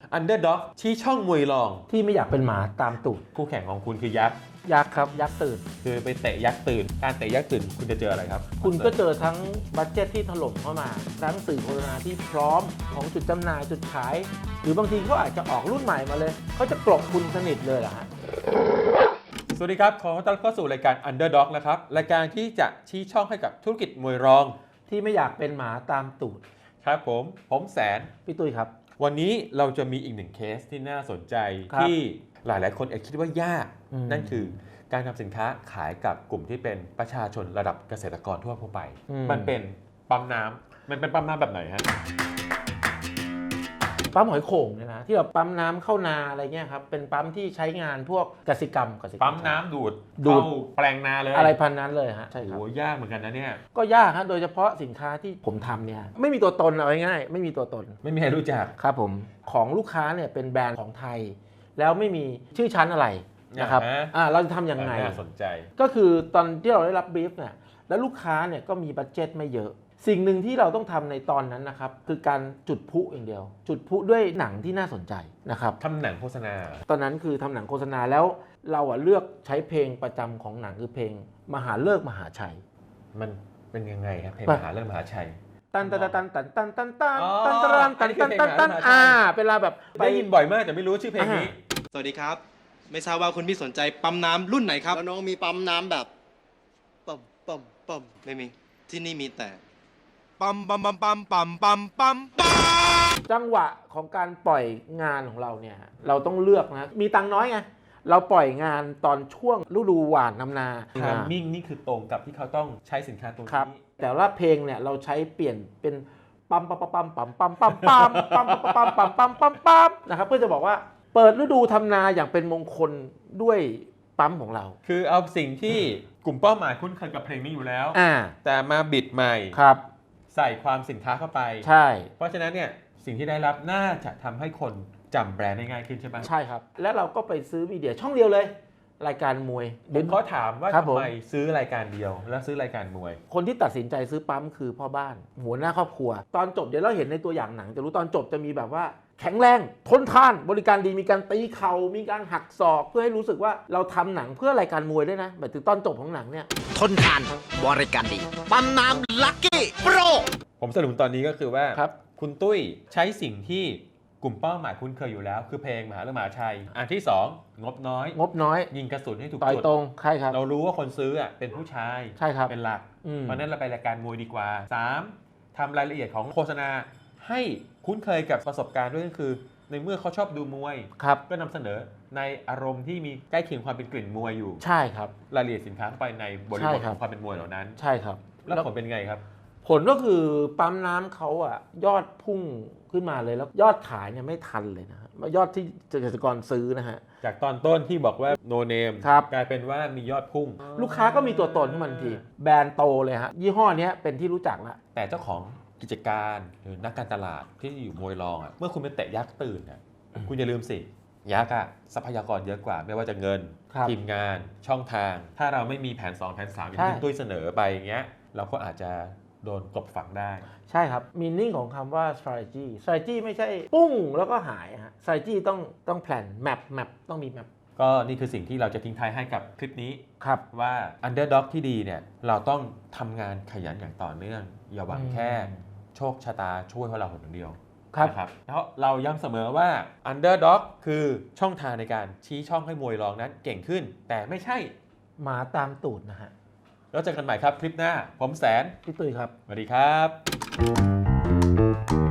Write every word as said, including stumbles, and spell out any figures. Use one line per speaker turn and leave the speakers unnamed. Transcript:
Underdog ชี้ช่องมวยรอง
ที่ไม่อยากเป็นหมาตามตูด
คู่แข่งของคุณคือยักษ์
ยักษ์ครับยักษ์ตื่น
คือไปเตะยักษ์ตื่นการเตะยักษ์ตื่นคุณจะเจออะไรครับ
คุณก็เจอทั้งบัดเจ็ตที่ถล่มเข้ามาทั้งสื่อโฆษณาที่พร้อมของจุดจำหน่ายจุดขายหรือบางทีเขาอาจจะออกรุ่นใหม่มาเลยเขาจะกลบคุณสนิทเลยเหรอฮะ
สวัสดีครับขอต้อนรับเข้าสู่รายการ Underdog นะครับรายการที่จะชี้ช่องให้กับธุรกิจมวยรอง
ที่ไม่อยากเป็นหมาตามตูด
ครับผมผมแสน
พี่ตุ้ยครับ
วันนี้เราจะมีอีกหนึ่งเคสที่น่าสนใจที่หลายๆคนอาจคิดว่ายากนั่นคือการทำสินค้าขายกับกลุ่มที่เป็นประชาชนระดับเกษตรกรทั่วไปมันเป็นปั๊มน้ำมันเป็นปั๊มน้ำแบบไหนฮะ
ปั๊มหอยโข่งเนี่ยนะที่แบบปั๊มน้ำเข้านาอะไรเงี้ยครับเป็นปั๊มที่ใช้งานพวกกสิกรรมกสิกรรม
ปั๊มน้ำดูด
ดูด
แปลงนาเลย
อะไรพันนั้นเลยฮะใช่ครับ
โอ้ยากเหมือนกันนะเนี่ย
ก็ยากฮะโดยเฉพาะสินค้าที่ผมทำเนี่ยไม่มีตัวตนเอาง่ายๆไม่มีตัวตน
ไม่มีใครรู้จัก
ครับผมของลูกค้าเนี่ยเป็นแบรนด์ของไทยแล้วไม่มีชื่อชั้นอะไรนะครับอ่าเราจะทำยังไง
น่าสนใจ
ก็คือตอนที่เราได้รับบรีฟเนี่ยแล้วลูกค้าเนี่ยก็มีบัดเจ็ตไม่เยอะสิ่งหนึ่งที่เราต้องทำในตอนนั้นนะครับคือการจุดพลุอย่างเดียวจุดพลุด้วยหนังที่น่าสนใจนะครับ
ทำหนังโฆษณา
ตอนนั้นคือทำหนังโฆษณาแล้วเราอะเลือกใช้เพลงประจำของหนังคือเพลงมหาฤกษ์มหาชัย
มันเป็นยังไงครับเพลงมหาฤกษ์มหาชัย
ตันตันตันตันตันตันตันตันตันตันตันตันตันอ่าเป็นเวลาแบบ
ได้ยินบ่อยมากแต่ไม่รู้ชื่อเพลงนี้
สวัสดีครับไม่ทราบว่าคุณพี่สนใจปั๊มน้ำรุ่นไหนครับ
แล้วน้องมีปั๊มน้ำแบบปั๊มปั๊มปั๊ม
ไม่มีที่นี่มีแต่ปั๊มปั๊มปั๊มปั๊มปั๊มปั๊มปั๊มปั๊ม
จังหวะของการปล่อยงานของเราเนี่ยเราต้องเลือกนะมีตังน้อยไงเราปล่อยงานตอนช่วงฤดูหว่านน้ำนา
ทามมิ่งนี่คือตรงกับที่เขาต้องใช้สินค้าตรงนี้
แต่ว่าเพลงเนี่ยเราใช้เปลี่ยนเป็นปั๊มปั๊มปั๊มปั๊มปั๊มปั๊มปั๊มปั๊มปั๊มปั๊มปั๊มปั๊มปั๊มนะครับเพื่อจะบอกว่าเปิดฤดูทำนาอย่างเป็นมงคลด้วยปั๊มของเรา
คือเอาสิ่งที่กลุ่มเป้าหมายคุ้นเคยกับเพลงนี้อยู่แล้วแต่มาบิดใหม่
ครับ
ใส่ความสินค้าเข้าไป
ใช่
เพราะฉะนั้นเนี่ยสิ่งที่ได้รับน่าจะทำให้คนจำแบรนด์ได้ง่ายขึ้นใช่ไหม
ใช่ครับแล้วเราก็ไปซื้อมีเดียช่องเดียวเลยรายการมวย
ผมเขาถามว่าทำไมซื้อรายการเดียวแล้วซื้อรายการมวย
คนที่ตัดสินใจซื้อปั๊มคือพ่อบ้านหัวหน้าครอบครัวตอนจบเดี๋ยวเราเห็นในตัวอย่างหนังจะรู้ตอนจบจะมีแบบว่าแข็งแรงทนทานบริการดีมีการตีเข่ามีการหักศอกเพื่อให้รู้สึกว่าเราทำหนังเพื่อรายการมวยด้วยนะแบบถึงตอนจบของหนังเนี่ย
ทนทานบริการดีปั๊มน้ำลัคกี้โปร
ผมสรุปตอนนี้ก็คือว่าคุณตุ้ยใช้สิ่งที่กลุ่มเป้าหมายคุ้นเคยอยู่แล้วคือเพลงมหาฤกษ์มหาชัยอันที่สองงบน้อย
งบน้อย
ยิงกระสุนให้ถูก
จุดตรงใช่ครับ
เรารู้ว่าคนซื้อเป็นผู้ชาย
ใช่ครับ
เป็นหลักเพราะนั้นเราไปรายการมวยดีกว่าสามทำรายละเอียดของโฆษณาให้คุ้นเคยกับประสบการณ์ด้วยก็คือในเมื่อเขาชอบดูมวยก็นำเสนอในอารมณ์ที่มีใกล้เคียงความเป็นกลิ่นมวยอยู่
ใช่ครับ
รายละเอียดสินค้าเข้าไปในบริบทของความเป็นมวยเหล่านั้น
ใช่ครับ
แล้วผลเป็นไงครับ
ผลก็คือปั๊มน้ำเขาอ่ะยอดพุ่งขึ้นมาเลยแล้วยอดขายเนี่ยไม่ทันเลยนะฮะยอดที่เกษตรกรซื้อนะฮะ
จากตอนต้นที่บอกว่าโนเนมกลายเป็นว่ามียอดพุ่ง
ลูกค้าก็มีตัวตนขึ้นมาทันทีแบรนด์โตเลยฮะยี่ห้อนี้เป็นที่รู้จักแล้ว
แต่เจ้าของกิจการหรือนักการตลาดที่อยู่มวยรองอ่ะเมื่อคุณเป็นเตะยักษ์ตื่นเนี่ยคุณอย่าลืมสิยักษ์อะทรัพยากรเยอะกว่าไม่ว่าจะเงินทีมงานช่องทางถ้าเราไม่มีแผนสองแผนสามอย่างที่ตุ้ยเสนอไปอย่างเงี้ยเราก็อาจจะโดนกลบฝังได้
ใช่ครับมีนิ่งของคำว่า strategy strategy ไม่ใช่ปุ้งแล้วก็หายฮะ strategy ต้องต้องแผน map map ต้องมี map
ก็นี่คือสิ่งที่เราจะทิ้งท้ายให้กับคลิปนี้
ครับ
ว่า underdog ที่ดีเนี่ยเราต้องทำงานขยันอย่างต่อเนื่องอย่าหวังแค่โชคชะตาช่วยเราคนเดียวครับแล้วเราย้ำเสมอว่า Underdog คือช่องทางในการชี้ช่องให้มวยรองนั้นเก่งขึ้นแต่ไม่ใช่
หมาตามตูดนะฮะ
แล้วเจอกันใหม่ครับคลิปหน้าผมแสน
พี่ตุ้ยครับ
สวัสดีครับ